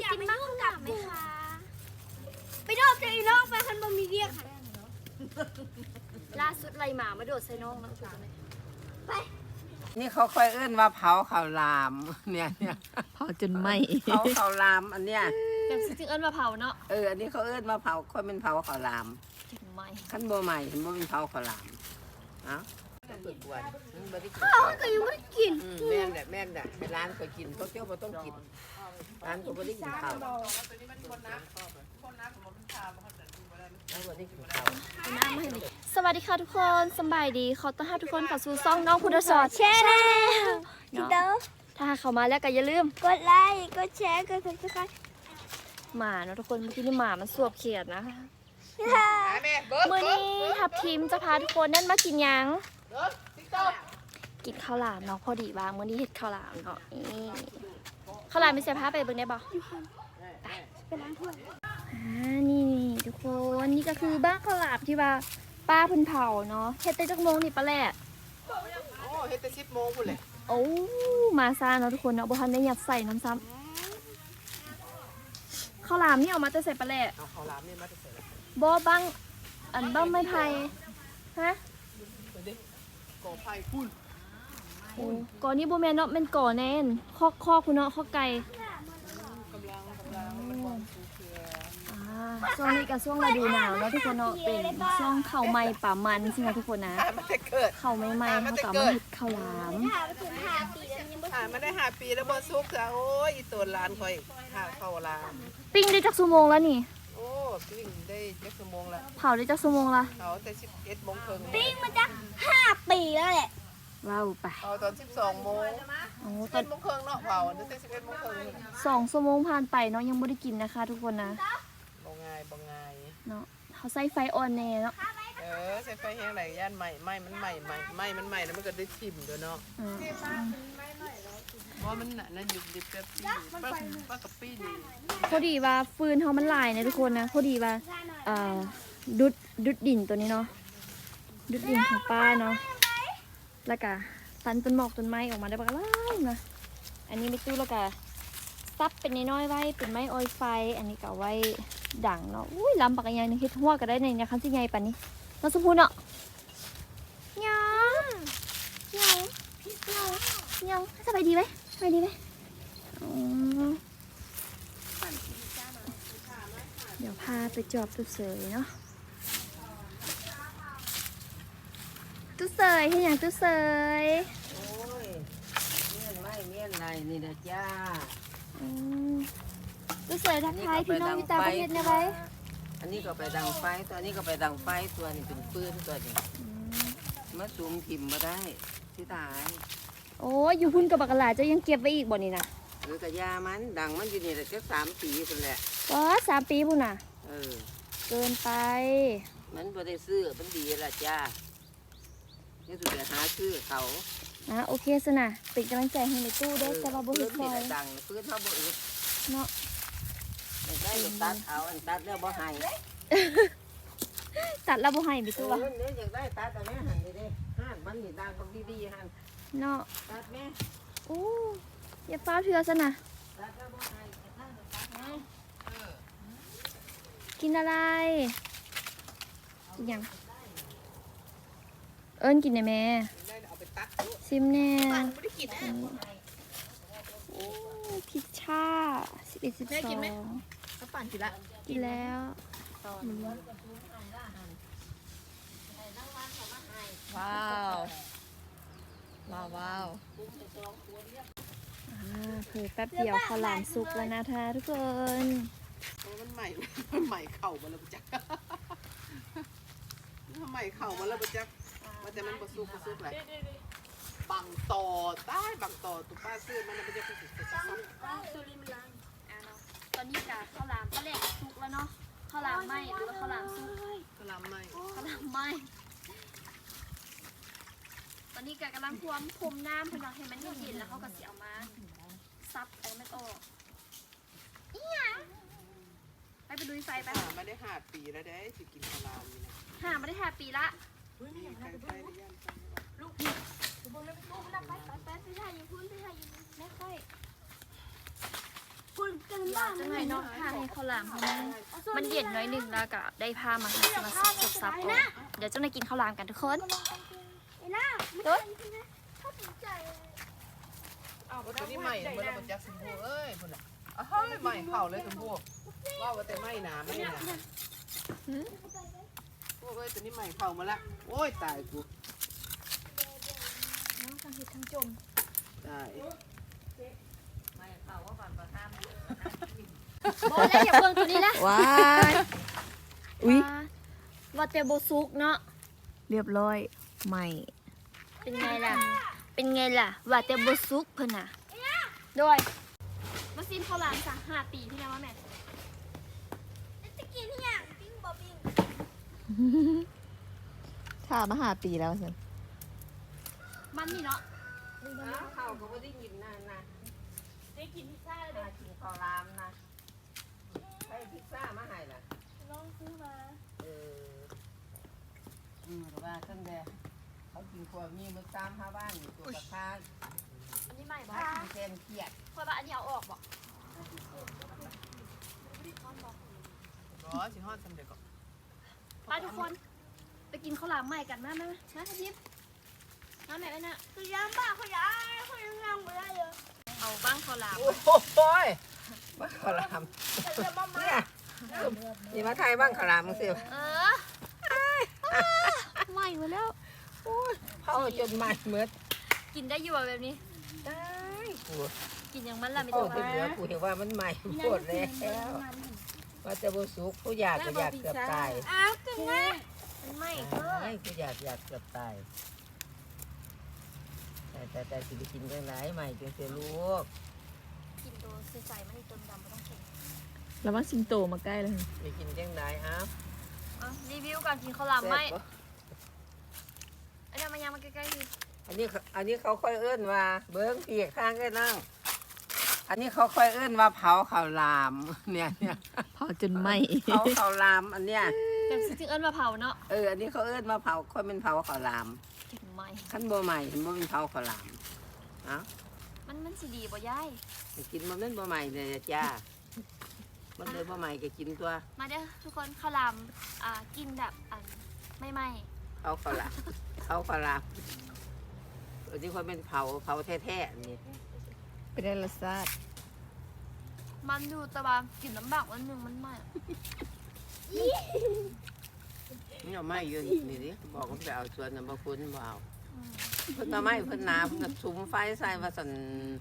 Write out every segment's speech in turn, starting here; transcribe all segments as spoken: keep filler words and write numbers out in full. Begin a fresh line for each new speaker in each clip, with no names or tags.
กินบ้างกลับไหมคะไปโดดใส่น้องไปคันบ่มีเรียกค่ะล่าสุดไล่หมามาโดดใส่น้องนะไป
นี่เขาค่อยเอื้นว่าเผาข้าวหลามเนี่ยเนี่ย
เผาจนไหม
เผาข้าวหลามอันเนี้ย
จังสิจึงเอิ้นว่าเผาเนาะ
เอออันนี้เขาเอื้นว่าเผาค่อยเป็นเผาข้าวหลาม
จนไหม
ขั้นโบใหม่เห็นโบเป็นเผาข้าวหลามเอ้าต้องเปิดกวนมันบ่ได้กิน
ข้าวก็ยังไม่ได้กิน
อืมแม่นแหละแม่นแหละให้ร้านเคยกินเพราะเที่ยวบ่ต้องกินร้านก็บ่ได้กินข้าวร้านบ่ได้กินข้าว
น้ำให้เลยสวัสดีค่ะทุกคนสบายดีขอต้อนรับทุกคนเข้าสู่ซ่องน้องพุทธสอนแชร์แนลเนาะถ้าเข้ามาแล้วก็อย่าลืมกดไลค์กดแชร์กดซับสไครต์หมาเนาะทุกคนเมื่อกี้นี่หมามันสวบเขียดนะมื้อนี้ทับทีมจะพาทุกคนนั่นมากินยังกินข้าวหลามเนาะพอดีว่ามื้อนี้เฮ็ดข้าวหลามเนาะนี่ข้าวหลามมีเสียผ้าไปเบิ่งได้บ่ไปไปล้างถ้วยอ่านี่ทุกคนนี่ก็คือบ้านข้าวหลามที่ว่าป้าเพิ่นเผาเนาะเฮ็ดแต่จักโมงนี่ปะแหละ
โอ้เฮ็ดแต่สิบโมงพุ่นแหละ
โอ้มาซ่าเนาะทุกคนเนาะบ่ทันได้ยัดใส่น้ำซ้ำข้าวหลามนี่เอามาแต่ใส่ปลาแหละ
เอาข้าวหลามนี่มาจะใส่ละ
บ่บังอันบ้างไม้ไผ่ฮะ
ก่อไฟพุ่น
โอ้ก่อนี่บ่แม่นเนาะแม่นก่อแน่นคอกคอกคุณเนาะคอกไก่
กำลังกำลังมันวางสูเคือ
อ่าช่วงนี้ก็ช่วงฤดูหนาวเนาะทุกคนเนาะเป็นช่วงข้าวใหม่ป่ามันสินะทุกคนนะ
มันจะเกิด
ข้าวใหม่ๆเขาก็เอามาเฮ็ดข้าวหลาม
หามาได้ห้าปีแล้วบ่ซุกจ้ะโอ้ยอีตัวหลานคอยหาข้าวหลาม
ปิ้งได้จักชั่วโมงแล้วนี่
โอ้ปิ้งได้จักชั่วโมงละ
เผาได้จักชั่วโมงละ
เขาแต่สิบเอ็ดโมงครึ่ง
ปิ้งมาจักห้าปีแล้วแหละว้าวไป
เอาตอนสิบสองโมง
โอ้ต
เอ็
อน
ดโมงครึ่งเนาะเผาตั้งแต่สิบเอ็ดโมงครึ่ง
สองชั่วโมงผ่านไปเนาะยังไม่ได้กินนะคะ ทุกคนนะ
บ่ง่ายบ่ง่าย
เนาะเขาใส่ไฟอ่อนแน่เนาะ
เออใส่ไฟแห้งไหลย่านใหม่ไหม้มันใหม่ใหม่ไหม้มันใหม่แล้วมันก็ได้ชิมด้วยเนาะ
อืม
ว่ามันน่ะนั่นอยู่ดิบแบบปี้ป้าป้ากับปี้นี่
พอดีว่าฟืนเขามันหลายนะทุกคนนะพอดีว่าเอ่อดุดดุดดินตัวนี้เนาะดุดดินของป้าเนาะแล้วก็ตันต้นหมอกต้นไม้ออกมาได้บ้างล่ะนะอันนี้ไม่ตู้แล้วก็ซับเป็นน้อยๆไว้เป็นไม้ออยไฟ อันนี้ก็เอาไว้ดังเนาะอุ้ยลำปักอย่างนึงเฮ็ดหัวก็ได้ในเนี่ยคันสิใหญ่ปานนี้น้องสมพูเนาะยังยังยังยังสบายดีไหมสบายดีไหมอ๋อเดี๋ยวพาไปจอบตู้เสยเนาะตู้เสยที่อย่างตู้เสย
โอ้ยเมียนไหม้เมียนไรนี่นะจ้า
อืมตู้เสยทักทายพี่น้องอยู่ต่างประเทศเนี่ยไว้
อันนี้ก็ไปดังไฟตัวนี้ก็ไปดังไฟตัวนี้เป็นปืนตัวนี้
อืม
มาซูมถิ่มมาได้ที่ตาย
โอ้ยอยู่พุ่นกับบักกะหลาเจะยังเก็บไว้อีกบ่นี่นะ
หรือกระยามันดังมันอยู่นี่แหละแค่สามปีคนแหละ
ก็สามปีพุ่นน่ะ
เออ
เกินไป
มันบ่ได้ซื้อมันดีละจ้านี่สุดจะหาซื้อเขา
นะโอเคสนะเป็นกำลังใจให้ในตู้เด้อแต่ว่าบ่
ปื
เฮ็ด
น
ซ
นี่
อ
แห
ย
ละดังปืนเขาบ่อึด
เนาะ
ไม่ได้ลูกตัดเอาอันตัดแล้วบ่ให้
ตัดแล้วบ่ให้ไป
ตั
ตู้
ว
วะ
นี้อยากได้ตัดแต่แม่หันไปดิหันมันนี่ดังบักดีๆหัน
เนาะ
ตัดแม่
โอ้อย่าฟ้าวเถื่อซะนะ
ตัดแล้วบ่ให้ตัดแล้วตัดแม่เออ
กินอะไรอีกอย่างเอิ้นกินได้แม่
ได้เอาไปตัด
ซิมแน่
ไม่ได้กินนะ
โอ้พิชชาสิบเอ็ดสิบสอง
ก็ปั่นกินละ
กินแล้วอืม
ว้าวว้าวว้าว
อ่าเผยแป๊บเดียวข้าวหลามสุกแล้วนะคะทุกคน
มันใหม่ มันใหม่เข่ามาแล้วปะจ๊ะมันใหม่เข่ามาแล้วปะจ๊ะว่าแต่มันบะซุกบะซุกแหละบังต่อใต้บังต่อตุ๊ป้าซื้อมันมันจะไปสุดไปซัก
ตอนนี้กะข้าวหลามก็แหลกสุกแล้วเนาะข้าวหลามไหมหรือว่าข้าวหลามสุก
กระลำใหม่
ข้าวหลามไหมตอนนี้กะกำลังพรวมพรมน้ำพนังให้มันเย็นๆแล้วเขาก็เสียมาซับไอ้ไม่ออกอีหยังไปไปดูไฟไป
หาไม่ได้ห้าปีแล้วได้สิกินกระลำนี่นะ
หามาได้ห้าปีละ
มีใครไปหรือยังจัง
ลูกลูกลูกลูกไปไปไปไปถ่ายอยู่พุ่นไปถ่ายอยู่ไม่ค่อยพุ่นกันว่าจังไรเนาะถ้าให้ข้าวหลามเขามันมันเย็นน้อยหนึงแล้วก็ได้ผ้ามาให้มาซับซับซับก่อนเดี๋ยวเจ้าหน้ากินข้าวหลามกันทุกคนโต๊ด
ตัวนี้ใหม่เมื่อเราบนจักสมบูเอ้ยพุ่นอ่ะอ้าวใหม่เข่าเลยสมบูว่าว่าแต่ไม่หนาไม่หนาพวกเอ้ยตัวนี้ใหม่เข่ามาละโอ้ยตายกู
น้องทั้งเห็ดทั้งจม
ตาย
บอกแล้วอย่าเบิ่งตัวนี้ละ
ว้ายอุ้ย
ว่าแต่โบซุกเนาะ
เรียบร้อยใหม่
เป็นไงล่ะ เป็นไงล่ะ ว่าแต่โบซุกเพิ่นน่ะโดยมาซิมข้าวหลามสามห้าปีที่แล้วว่าแม่จะกินที่ยังปิ้งบ่ปิ้ง
ถ้ามาหาปีแล้วสิ
มันนี่เนาะ
ข้าวก็ไม่ได้ยินนะนะ
ได้กินพิซซ่าเลย
กินข้าวรามนะใช้พิซซ่ามาให้ล่ะ
ลองซื้อมา
เอออืมแต่ว่าตั้งแต่เขากินขวดมีมือตามห้าบ้านอยู่ตัวกระทาน
อันนี้ใหม่บ่
มีแกนเขียด
เพราะว่าอันนี้เอาออกบ่
ร้อสิฮอดสำเร็จก่อน
ไปทุกคน ไปกินข้าวหลามใหม่กันมามามามาทับทิพย์มาแม่ไปน่ะคือยามบ้าเขาย้ายเขายังนั่งไม่ได้เลยเอาบ้างข้าวหลาม
โอ้โหยบ้างขาวรามเนี่ยนี่มาไทยบ้างขาวรามมึงสิ
เออใหม่มาแล้ว
โอ้ยเผาจนไหม้เหมือน
กินได้อยู่แบบนี้
ได้กู
กินอย่างมันละไม่
โอ้
ต้อง
ที่เหลือกูเห็นว่ามันใหม่ปวดแล้วว่าจะบุสุกผู้อยากก็อยากเกือบตาย
อ้าวกินไงมันไม่ก็
ไอ้ผู้อยากอยากเกือบตายแต่แต่แต่สิไปกินจังไรใหม่จังเสียลูก
กินตัวใสๆมันอีตัวดำไม่ต้องเข็ง
แล้วว่าสิงโตมาใกล้แล้ว
ไปกินจังไรอ้าว
อ่ะรีวิวก่อนกินข้าวหลามไหมไอ้เดี๋ยวมายางมาใกล้ๆที
อันนี้อันนี้เขาค่อยเอื้นว่า เบิ้งเปียกข้างก็นั่ง อันนี้เขาค่อยเอื้นว่าเผาข้าวหลามเนี่ยเนี่ย
เผาจนไหม้
เผาข้าวหลามอันเนี้ย
แต่จริงๆเอิ้นมาเผาเนาะ
เอออันนี้เขาเอื้นว่าเผาค่อยเป็นเผาข้าวหลาม
กินไหม
ขั้นบ่ใหม่เห็นบ่เป็นเผาข้าวหลามเอ้า
มันมันสีดีบ่ยาย
ไปกินมันเป็นบ่ใหม่เลยจ้ามันเลยบ่ใหม่ก็กินตัว
มาเด้อทุกคนข้าวหลามอ่ากินแบบอันไม่ไหม
เผาข้าวหลามเผาข้าวหลามอันนี้ค่อยเป็นเผาเผาแท้ๆอันนี้
เป็นได้รสชาติ
มันอยู่แต่ว่ากินน้ำบักวันหนึ่งมันไหม
นี่เอาไม้ยืนนี่ดิบอกว่าไปเอาสวนน้ำบะคุณบ่เอาเพิ่นมาไม้เพิ่นนาเพิ่นก็สุมไฟใส่ว่าสั่น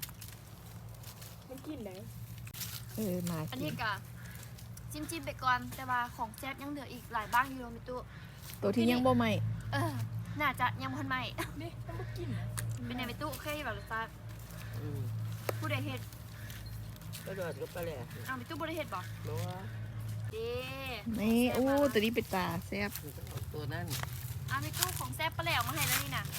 เออมา
อัน
กิ
นี้
น
กะจิ้มจิ้มๆไปก่อนแต่ว่าของแจ๊บยังเหลืออีกหลายบ้างอยู่มิตุ
ตัวที่ยังบ่ไหม้
เออน่าจะยังพันใหม่นี่ต้องกินเป็นไงมิตุเคยแบบรสชาติ
อืม
ผู้ใดเฮ็ด
ก็โดดก็ไปเลย
อ้าวมิตุบ่ได้เฮ็ดบ่
รู้ว่า
เด้
นี่อู้ตัวนี้เป็นตาแซ่บ
มันต้องเอาตัวนั้น
อ้าวมิตุของแซ่บปลาแหลวมาให้แล้วนี่น่ะ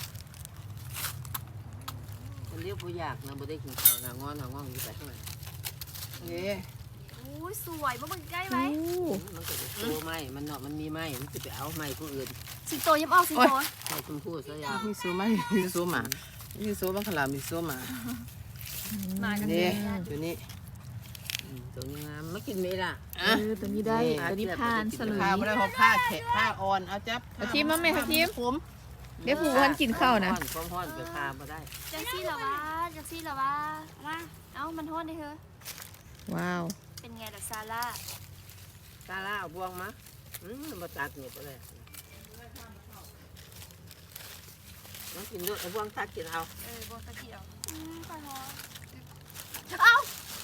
มันเรียกผู้อยากนะบ่ได้กินข้าวนะงอนหางอนอยู่ไปข้างในนี่
อุ้ยสวยบ่มึงใกล้ไหม
อู้
มันก็จะโตไม้มันเนาะมันมีไม้มันสิไปเอาไม้ผู้อื่น
สิงโตยังออกสิงโต
ไม้ชมพู่ซะยาว
มีซูไหมมีซูหมามีซูบังขลามีซูหมา
มากัน
นี่
เลย
อยู่นี่
อืมตัวนี้งามไม่กินไหมล่ะ
เออตัวนี้ได้
นี่
ตัวนี้ผ่านสลุย
ผ้าไม่ได้หอบผ้าแขะผ้าอ่อนเอาจับ
เอาทีมมาแม่เอาทีม
ผม
เดี๋ยวผู้วันกินข้าวนะ
ฮ้อนความฮ้อนไปพาบ่ได้
จังซี่เหรอวะจังซี่เหรอวะมาเอ้ามันโทษดิเฮ้อ
ว้าว
เป็นไงล่ะซาร่า
ตาล่าเอาบวงมาอืมบ่ตัดนี่บ่ได้น้องกินด้วยเอาบวงตัดกินเอา
เออบอกตะกี้เอาอืมขอโทษเอ้า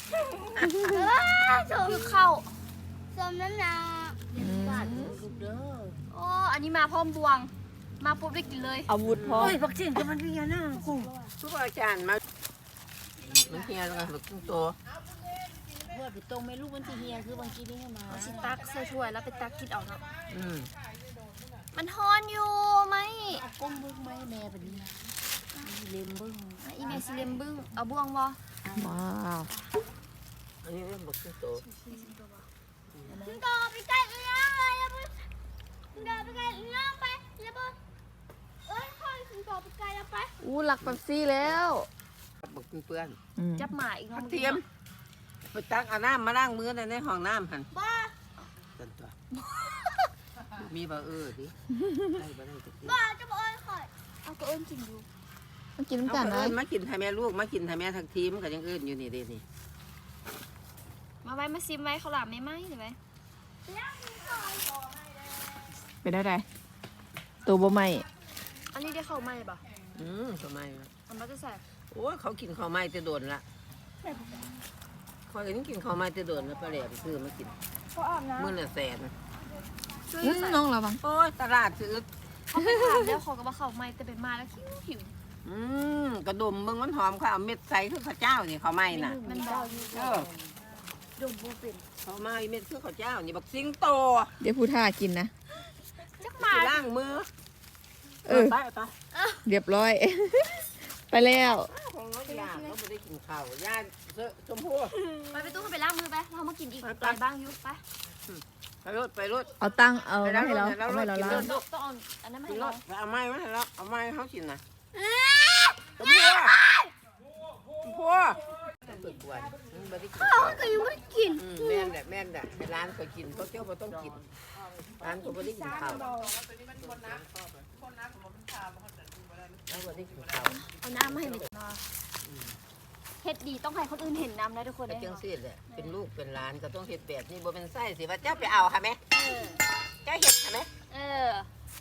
คือเข้าสมน้ำหนัก
อืม
ลูกเด้อ
โอ้อันนี้มาพร้อมบวง มาปุ๊บได้กินเลย
อาวุธพร้อม
บักจิงก็มันเฮียนะกูทุกอาจารย์มามันเฮียแล้วกันบักจิงโต
ว่าไปตรงไม่รู้มันที่เฮียคือบางทีนี่มา
เอาสิตักใส่ถ้วยแล้วไปตักกินเอาเนาะ
อืม
มันฮอนอยู่ไหม
ก้มบึ้งไหมแม่แบบนี้เล็มบึ้ง
อ่ะอีเมซิเลมบึ้งเอาบวงบ่
ว้าว
อันนี้เป็นบักจิงโต
ถึงต่อไปใกล้เอื้องเลยแล้วมึงถึงต่อไปใกล้เอื้องไปแล้วมึงเอ้ยค่อยถึงต่อไปใกล้แล้วไป
อู้หลักแบบซี่แล้ว
บักจิงเปื้อน
อืม
จับหมาอีกเนาะ
เทียม
ไปตักเอาน้ำมาล้างมือในห้องน้ำหัน
บ้า
ตันตัวมีบ่เออดิได้บ่ได้จักที
บ้าจะบอกเอ้ยข่อยเอาก็เอิ้นกินดู
มันกิน
เอา
น้ำกัน
ก็
เล
เอิ้
ย
นมากินให้แม่ลูกมากินให้แม่ทั้งทีมก็ยังเอิ้นอยู่นี่เด้นี่
มาไว้มาซิมไว้ข้าวหลามไม่ไหมหรือไว้
เป็นได้ไดตัวบ่ไหม่
อันนี้ได้ข้าวไหมป่ะ
อืมทำไมวะ
อันมาจะใส่
โอ้ยเขากินข้าวไม้จะโดนละคอยก็ยังกินข้าวไม้จะโดนแล้วปลาแหลมซื้อมากิน
เขาอาบน้
มื้อละแสน
ำช่วย
อื้อ
ใส่
น้องระวัง
โอ้ยตลาดซื้อ
เขาไปถามแล้วเขาก็บอกข้าวไหมแต่เป็นมาแล้วคิวหิว
อืมกระดมเบิ่งมันหอมข้าวเม็ดใสคือข้าวเจ้านี่ข้าวไม้น่ะ
มันบอก
เออ
ดมโบเป็น
ข้าวไม้เม็ดคือข้าวเจ้านี่บักสิงโต
เดี๋ยวผู้ท่ากินนะ
จักมา
สิล้างมือ
เออ
ไปไป
เรียบร้อย ไปแล้ว
ของน้อยยาเขาไม่ได้กินข้าวยาเสื้อชมพู
ไปไปตู้เขาไปล้างมือไปเรามากินอีก
ไป
หลายบ้างอยุไป
ไปรถไปรถ
เอาตั้งเอา
ไป
ไว้
แล้ว
ให้เรา
ไปแล้ว
เอาไว้เรา
กิน
ล้า
แล้
ง
ว
ต้องเอาอันนั้นมา
กิ
ให้
นร
เรา
ถเอาไม้มาให้เราเอาไม้ให้เขากินนะชมพูชมพูเปิดกวนไม่ได้กินข้าว
ก็ยังไม่ได้กิน
อืมแม่นแหละแม่นแหละให้ร้านเขากินเขาเจ้าเขาต้องกินร้านเขาไม่ได้กินข้าวเขาไม่ได้กินข้าว
เอาน้ำมาให้หน่อยเฮ็ดดีต้องให้คนอื่นเห็นน้ำนะทุกคน
ก็
เลย
จังซี่แหละเป็นลูกเป็นหลานก็ต้องเฮ็ดแบบนี้บ่เป็นไส้สิว่าเจ้าไปเอาค่ะแม่เจ้าเฮ็ดค่ะแม่
เออ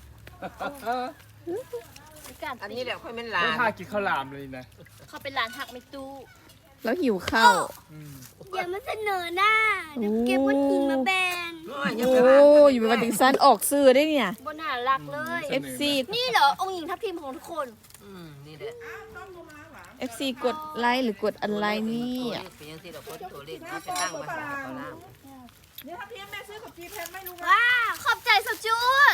การ
อันนี้แหละค่อยเป็นหลา
ไม่
น
ท่ากินข้าวหลามเลยนะ
เขาเป็นหลานหักไม่ตู้
แล้วหิวข้าว
อย่ามาเสนอหน้าเดี๋ยวเก็บวัตถุมาแบน
โอ้ยอย่า
โอ้
ไปว่า
อยู่เป็นวันถึงซันออกซื้อได้เนี่ย
บนหน้ารักเลย
เอฟ ซี
นี่เหรอองค์หญิงทัพทีมของทุกคน
อืมนี่แหละ
เอฟซีกดไลค์หรือกดอะไรนี่
ตัวเลขเป็นยังซี่ดอกคนตัวเลขเอาไปตั้งมาใส่เอาน้ำ
ว้าขอบใจสุดจุด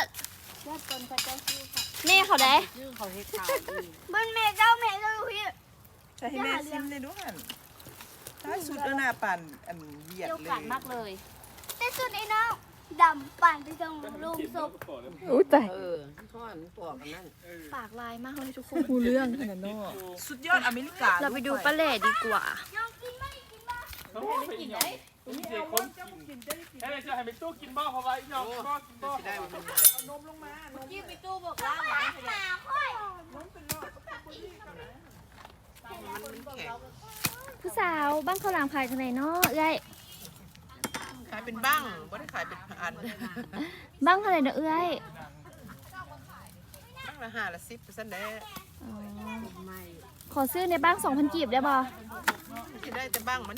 นี่เขาได้
เขาเฮ็ดข้าวอีก
บนเมเจ้าเมเจ้าพี่
ใช่ให้แม่ซิมเลยด้วยหันถ้าสุดแล้วน่าปั่นอันเหยียด
เกี่ยว
เล
กัน
ย
มากเลยแต่สุดไอ้น้องดำปั่นไปตรงลูกศพ
อุ้ยตาย
เออท่อนปอกกันนั่น
ปากลายมากเลยทุกคน
ผู้เรื่องขนาดนั้น
สุดยอดอเมริกา
เราไปดูปลาเล่ดีกว่า
ไม่กินได้กินได้คนกินให้จะให้ไปตู้กินบ้าเขาไว้ยอมบ้ากินบ้า
สิได้มันเป็น
ยี่ไปตู้บอกว่า
ผู้สาวบ้านข้าวหลามขายที่ไหนเนาะเอ้ย
ขายเป็นบ้างไม่ได้ขายเป็นอัน
บ้านเท่าไหร่เนาะเอ้ย
บ้างละห้าละสิบเปอร์เซ็นต์ได้
อ๋อขอซื้อในบ้างสองพันกีบได้ป่ะ
ที่ได้แต่บ้างมัน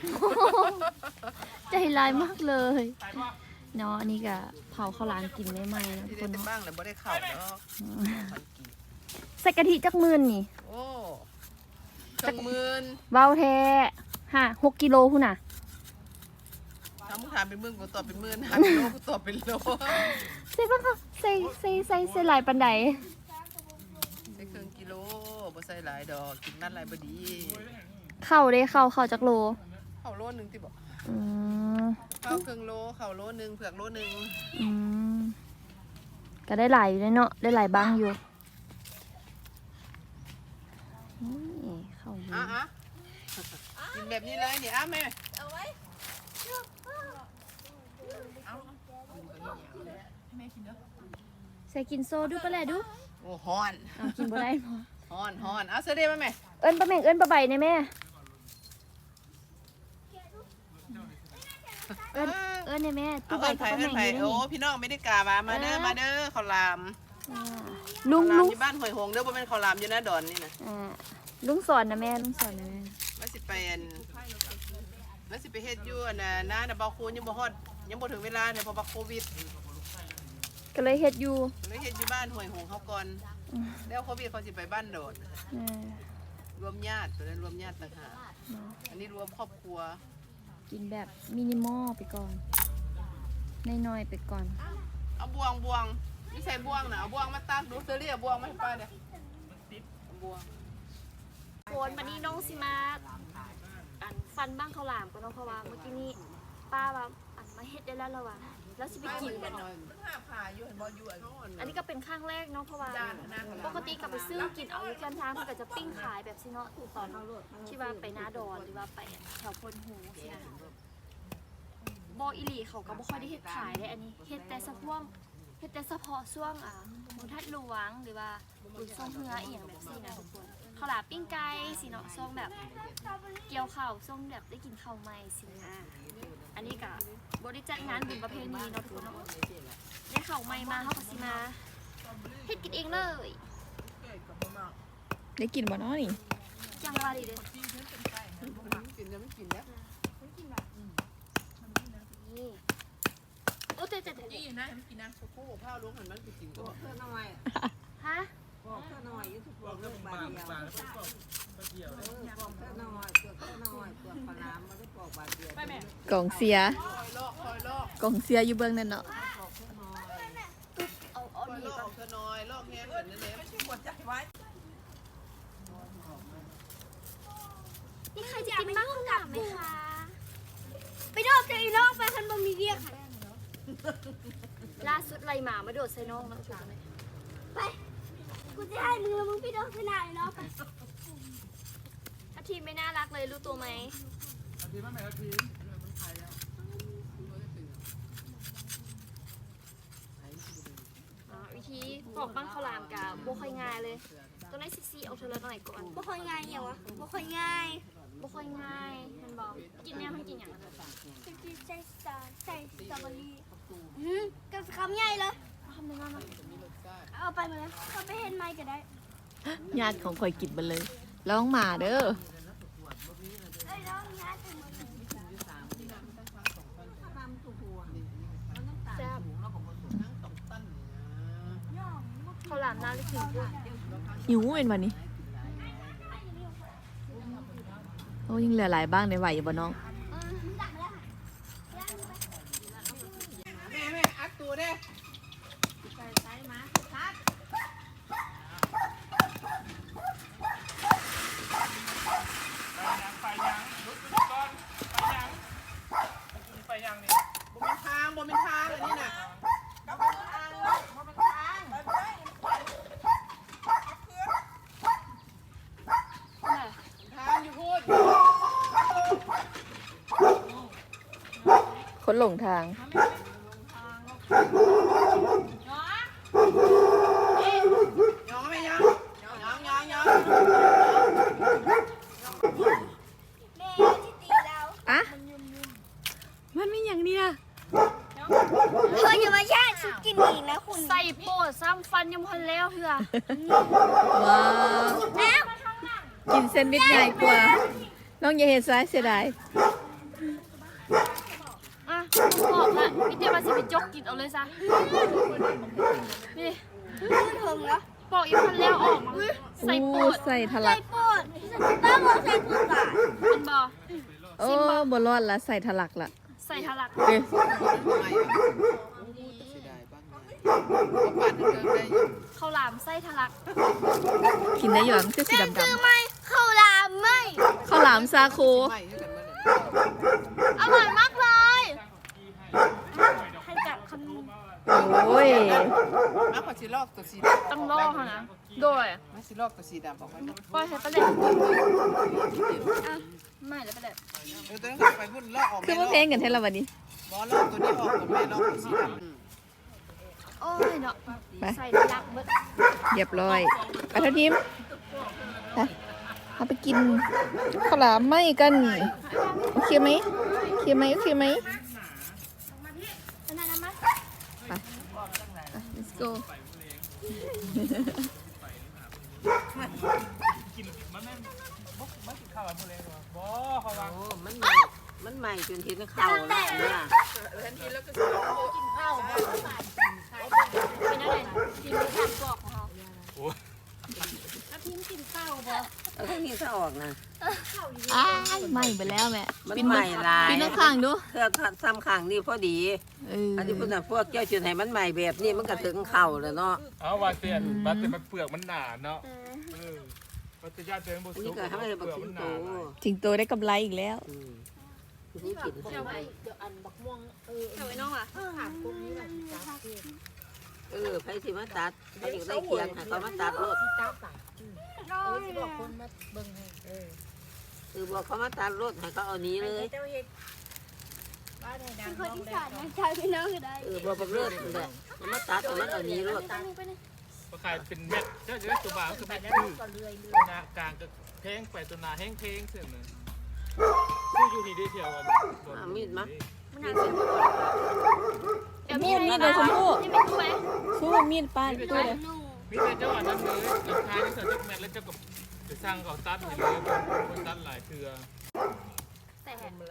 ใจร้ายมากเลยเนาะอันนี้ก็เผาข้าวหลามกินไม่ไหมนะทุ
ที่
กคนเนาะ
ได้แต่บ้างเลยไม่ได้เข่าแล้ว
ใส่กะทิจักหมื่นนี่
โอ้จักหมื่น
เบาแท้ห้าหกกิโลพุ่นน่ะ
ทำมึงถามเป็นหมื่นกูตอบเป็นหมื่นถามเป็นโลกูตอบเป็นโล
ใส่บ้างค่ะใส่ใส่ใส่ใส่หลายปันใด
ใส่ครึ่งกิโลบ่ใส่หลายดอกกินนั่นหลายบ่ดี
เข้าเด้เข้าเข้าจักโล
เข่าโลนึงที่บอก
อืม
ข้าวครึ่งโลเข่าโลนึงเผือกโลนึง
อืมก็ได้หลายอยู่เลยเนาะได้หลายบ้างอยู่นี่เข้าอยู่
อ่ะอ่ะกินแบบนี้เลยนี่อ่ะแม่
ใส่กินโซดูปะแหละดู
โอ้ฮอน
เอากินบ่ได้พอ
ฮอนฮอนเอาเสด็จมาแม่
เอิ้นปลาแม่งเอิ้นปลาใบเนี่ยแม่เอิ้นเอิ้นเนี่ยแม่
เอา
ตู้ใบ
เอิ้น
กับ
ไผ่
ปลา
เอิ้
แม่
น
งอยู่ในนี่
ไผ่โอ้พี่น้องไม่ได้กามามาเด้อมาเด้อข้าวหลาม
อ่าลุง
ข้าวหลาม
ลุง
อยู่บ้านหอยหงเด้อบ่เป็นข้าวหลามอยู่นะดอนนี่นะ
อ่าลุงสอนนะแม่ลุงสอนนะแม่
ว่าสิไปอันว่าสิไปเฮ็ดอยู่อันน่ะน้าน่ะบ่คูณยังบ่ฮอดยังบ่ถึงเวลาเนี่ยเพราะว่าโควิด
ก็เลยเฮ็ดอยู่
เลยเฮ็ดอยู่บ้านหอยหงเขาก่อนแล้วโควิดเขาสิไปบ้านโดด
อ่าร
วมญาติตัวนั้นรวมญาติต่างหากอันนี้รวมครอบครัว
กินแบบมินิมอลไปก่อนน้อยๆไปก่อน
เอาบวงบวงนี่ใส่บวงน่ะเอาบวงมาตักดูเซอรี่เอาบวงมาให้ป้าเนี่ยเอาบวง
โคนวันนี้น้องสิมาอันฟันบ้างข้าวหลามก็น้องเพราะว่าเมื่อกี้นี้ป้าว่าอันมาเฮ็ดได้แล้วแล้วว่ะแล้วสิไปกินกันเนาะ
มันหาผ่าอยู่เห็นบ่อยู่
อันนี้ก็เป็นข้างแรกเนาะเพราะว่าปกติก็ไปซื้อกินเอาอยู่แคมทางมันก็จะปิ้งขายแบบสิเนาะตอนที่ว่าไปหน้าดอนหรือว่าไปแถวพนหูสินะบออิลีเขาก็บ่ค่อยได้เฮ็ดขายได้อันนี้เฮ็ดแต่เฉพาะเฮ็ดแต่เฉพาะช่วงอ่าบนทัดหลวงหรือว่าบุญทรงเฮืออีหยังแบบซี่นะทุกคนข้าวหลามปิ้งไก่สิเนาะช่วงแบบเกี่ยวข้าวช่วงแบบได้กินข้าวใหม่สินะอันนี้ก็บ่ได้จัดงานบุญประเพณีเนาะทุกคนเนาะได้ข้าวใหม่มาเฮาก็สิมาเฮ็ดกินเองเลย
ได้กินบ่เนาะนี่
จังว่าดีเด้
กินแล้วไม่กินแล้ว
นี่โอ้เจ๊เจ๊เจ๊
นี่นะมันกินนะ
ผู้ข้าวล้วงหันมันไปกินก็
เพื่อนน้อย
ฮะ
บอกเพื่อนน้อยอยู่ทุกคนเรื่องบาเดียว
ปลาแล้วก็ก็เกี่ยว
เออบอกเพื่อนน้อยเปลือกเพื่อนน้อยเปลือกปลาน้ำไม่ได้บอกบาเดียวไปแม่
กล่องเสีย
คอยลอกคอยลอก
กล่องเสียอยู่เบื้องนั่นเนาะ
บอกเพื่อนน้อย
เอาเอา
คอย
ดี
ลอก
ก่อน
เธอน้อยลอกแห้งเหมือนนั่นเอง
ไม่ใช่หัวใจไว้
นี่ใครจะกินบ้างข้าวหลามไหมคะ
ไปโดดใส่น้องไปคันบ่มีเรียกค่ะ
ล่าสุดไล่หมามาโดดใส่น้องนะถูกไหม
ไป กูจะให้มึงแล้วมึงไปโดดใส่หน้าเลยเนาะไป
ถ้าทีมไม่น่ารักเลยรู้ตัวไหม
อาทีมาแม่อาที
อ๋อวิธีปอกบ้างข้าวหลามกับโบค่อยง่ายเลยตัวไหนซีซีเอาเธอละหน่อยก่อน
บ่ค่อยง่ายอย่างวะบ่ค่อยง่าย
โบค่อยง่ายมันบอกกินเนี่ยมันกินอย่างไร
จะกินใส่สารใส่สตรอเบอรี่อืมกับคำใหญ่เลย
ทำยังไงนะ
เอาไปมาเลยเอาไปเห็นไม้ก็ได้
ญาติของข่อยกินไปเลยร้องหมาเด้อ
เอ้ยน้องย้ายไปหมดเลย
แซ่บข้าวหลามน่าจะกินด้วย
หิวเป็นวันนี้โอ้ยังเหลือหลายบ้างในไหวอยู่บ่น้อง
แม่แม่อัดตัวเด้
ไปยังลุกขึ้นก่อนไปยังไปยังนี่
บ่เป็นทางบ่เป็นทางอันนี้น่ะ ทางอยู่พูด
คนหลงทาง
ยองไหมยังยองยองยอง
แม่ที่ตีเรา
อะมันไม่อย่างเนี้ย
เธออย่ามาแช่ชุดกินอีกนะคุณ
ใส่โปดซ้ำฟันยังพันแล้วเถอะ
ว้าว
แล้ว
กินเซนด์วิชใหญ่กว่า น้องอย่าเห็นซ้ายเสียดาย
อ่ะบอกละพี่เจมาสิไปจกกินเอาเลยซะนี่
ถึงแล้ว
บอกอีกพันแล้วออกมาใส่โป
อู้
ด
ใส่ทะ
ใส่
ลัก
ปวดบ้าบอกใส่ปวดก่อน
เป็นบอ
โอ้บรอดละใส่ทะลักละ
ใส่ทะลัก
เอ้ย
ไม่เสียดายบ้างไงปั่นเดิมได้อยู่
ข้าวหลามไส้ทะลัก
กินได้อยู่อ่ะมันจะสีดำ
คือไม่เข้าลามไม่
ๆข้าวหลามซาโค
ไม่ให้กันมาเลย
อร่อยมากเลยให้จับคำ
โอ้ย
มาขอชิลอกตัวสีดำ
ต้องล่อเขานะ โดย
มาชิลอกตัวสีดำบอกไว้นะ
ปล่อยให้ไปเลยอ่ะไม่แล้วไปเลย
เออตัวนั้นไปพุ่นลอกออก
คือมาเพลงกันเท่าไหร่วันนี้
บอลลอกตัวนี้ออกกับแม่ลอกตัวสีดำ
โอ้ยเนาะ
ไป
ใส่ทะลักเบิด
เรียบร้อยไปเท่าทีมไปเอาไปกินข้าวหลามไหมกันโอเคไหมโอเคไหมโอเคไหม
อันนั้นนะมะ
ไป let's go
กินมันไม่บ่ไม่กินข้าวอะไรพวกนี้หรอบ่เขาวาง
โอ้มันใหม่มันใหม่จนเห็นเข่าแล้วเนี่ย
เป็นอะไรกินข้าวกรอกของเขา
เอาแค่นี้ถ้าออกนะ
อ้ายไหม่ไปแล้วแม่
มัน
ปิน
ใหม่หลาย
ปินข้างๆดู
เพื่อซ้ำข้างนี่พอดี
เออ
อันนี้พุ่นน่ะพวกเจ้าจุดให้มันใหม่แบบนี้มันก็ถึงเข่าแล้วเนาะ
เอาว่าเตียนว่าแต่มันเปลือกมันหนาเนาะเออว่าแต่ญาติเตียนบ่
อัน
สุ
นี้
ก
ก็ให้
เป
บัก
ลือก
สิ
มั
ง
นห
โต
นา
จิงโตได้กำไรอีกแล้ว
อืม
นี่กิน
เดี๋ยวไว้
เดี๋ยวอันบักม่วงเออ
เดี๋ยวไว้น้องอ่ะ
ขาดพวกนี้แหละจ้าที่
เออไผสิมาตัดเขาอยากได้เคียงให้เขามาตัดรถ
ที่จ้าป่ะเออที่บอกคนมาเบิ่งให้เออ
คือบอกเขามาตัดรถให้เขาเอานี้เลย
เจ้าเฮ็ดบ้านให้ดั
เป็
ง
นคน
น้อง
อี
แด
สาง นนะชาวพี่น้องคือได้
เออบอกบักเลิศนั่นแหละมันมาตัดแต่มันเอานี้รถ
ไปนี่ไปนี่
ก็ขายเป็นเม็ดเจ้าจะได้ตัวบางคือ
ไป
เม็ด
แล้ว
คือ
ก็เลื่อยเลื่
ตัวหนากลางก็แพงไปตัวหนาแห้งเพงเสื่อมเลยคืออยู่ที่ได้เที่ยวกัน
มันหนักสิเดี๋ยวมี
มีดมีดเลยชมพู่
นี่เป็นตัวไหม
สู้มีดป้าตู้เลย
มีแต่เจ้าอันนั้นเลยราคาที่เสือจักแม็ดแล้วเจ้าก็จะสร้างก่อตัดให้เลยคนตัดหลายเทือ
แต่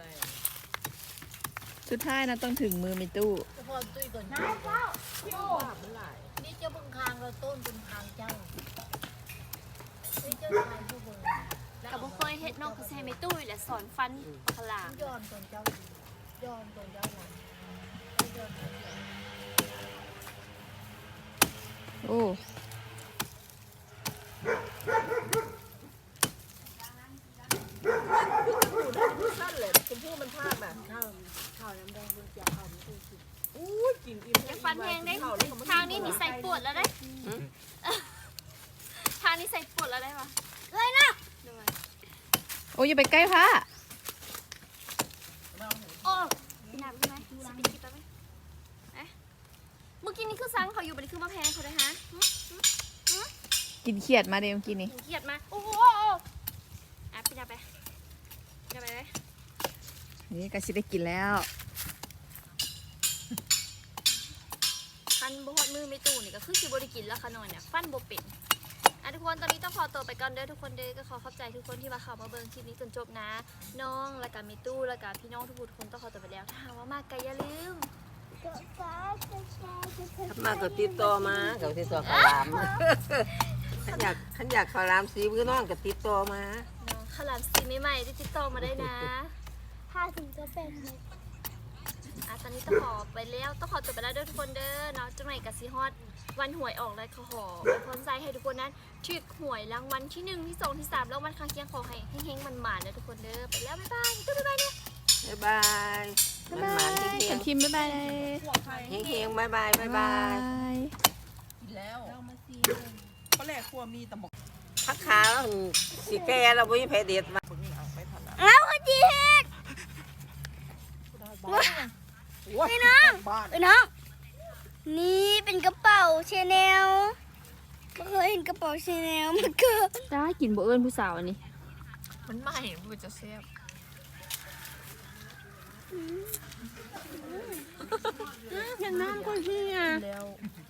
สุดท้ายนะต้องถึงมือมีตู้
เฉพาะตุ้ยก่อนนายเจ้าโอ้นี่เจ้าเบิ่งคางเราต้นเป็นคางเจ้านี่เจ้าชายผู้เบิ่ง
กับบุเคยเฮ็ดน้องคือใช้ไม่ตู้แหละสอนฟันขลาม
ย้อนตนเจ้าย้อนตนเจ้าหลังย้อนตนเจ้า
โอ้
สั้นเลยชมพู่มันพลาดแบบข้าวข้าวน้ำแดงบนเจียวข้าวมันตุ้ยกินอู้กินอิ่ม
ยังฟันแห้งได้ทางนี้นี่ใส่ปวดแล้วได้ทางนี้ใส่ปวดแล้วได้ปะเลยนะ
โอ้ยอย่าไปใกล้พระ
โอ้พี่น้ำใช่ไหมสปินคลิปไปไหมเอ๊ะเมื่อกี้นี่คือซังเขาอยู่บันนี้คือมาแพงเขาเลยฮะ
กินเขียดมาเดี๋ยวเมื่อกี้นี้
เครียดมาโอ้โหอ่ะพี่น้ำไปพี่น้ำไปไหม
นี่ก็สิได้กินแล้ว
ฟันบฮอดมือไม่ตู้นี่ก็คือสิบริกินแล้วค่ะนอนเนี่ยฟันโบเป็นอ่ะทุกคนตอนนี้ต้องขอตัวไปก่อนเด้อทุกคนเด้อก็ขอขอบใจทุกคนที่มาเข้ามาเบิ่งคลิปนี้จนจบนะ น้องแล้วก็มีตู้แล้วก็พี่น้องทุกคนทุกคนต้องขอตัวไปแล้วถ้าหากว่ามากก็อย่าลืม
ถ้ามาก็ติดต่อมาก็ติดต่อขาวหลามขันอยากขันอยากขาวหลามสีมือน้องก็ติดต่อมา
น้องขาวหลามสีใหม่ๆที่ติดต่อมาได้นะ
ห้าถึงจะเป็นเลย
อ่ะตอนนี้ต้องขอไปแล้วต้องขอตัวไปแล้วเด้อทุกคนเด้อเนาะจังไหนกับซีฮอดวันหวยออกแล้วขอขอพรใจให้ทุกคนนั้นถูกหวยรางวัลที่หนึ่งที่สองที่สามแล้ววันข้างเคียงขอให้เฮงๆมันหมาเด้อทุกคนเด้อไปแล้วบ๊ายบายตุ๊บ๊ายบายเนี่ย
บ๊ายบายมันหมานที่เฮีย
กั
ง
นคิมบ๊ายบายเลย
เฮียงๆบ๊ายบายบ๊ายบาย
ย
แล้วเรามาซี
ก็แรกครัวมีแต่หมก
พักขาแล้วสิแก่เราไม่มีแผลเด็ดมา
เอาขจีเฮกนี่น้องเอ้ยน้องนี่เป็นกระเป๋าชาแนลไม่เคยเห็นกระเป๋าชาแนลมาเกิด
ได้กินบ่เอิญผู้สาวอันนี้
มันใหม่มันจะแซ่บ
อย่างน้ำก็เฮียแล้ว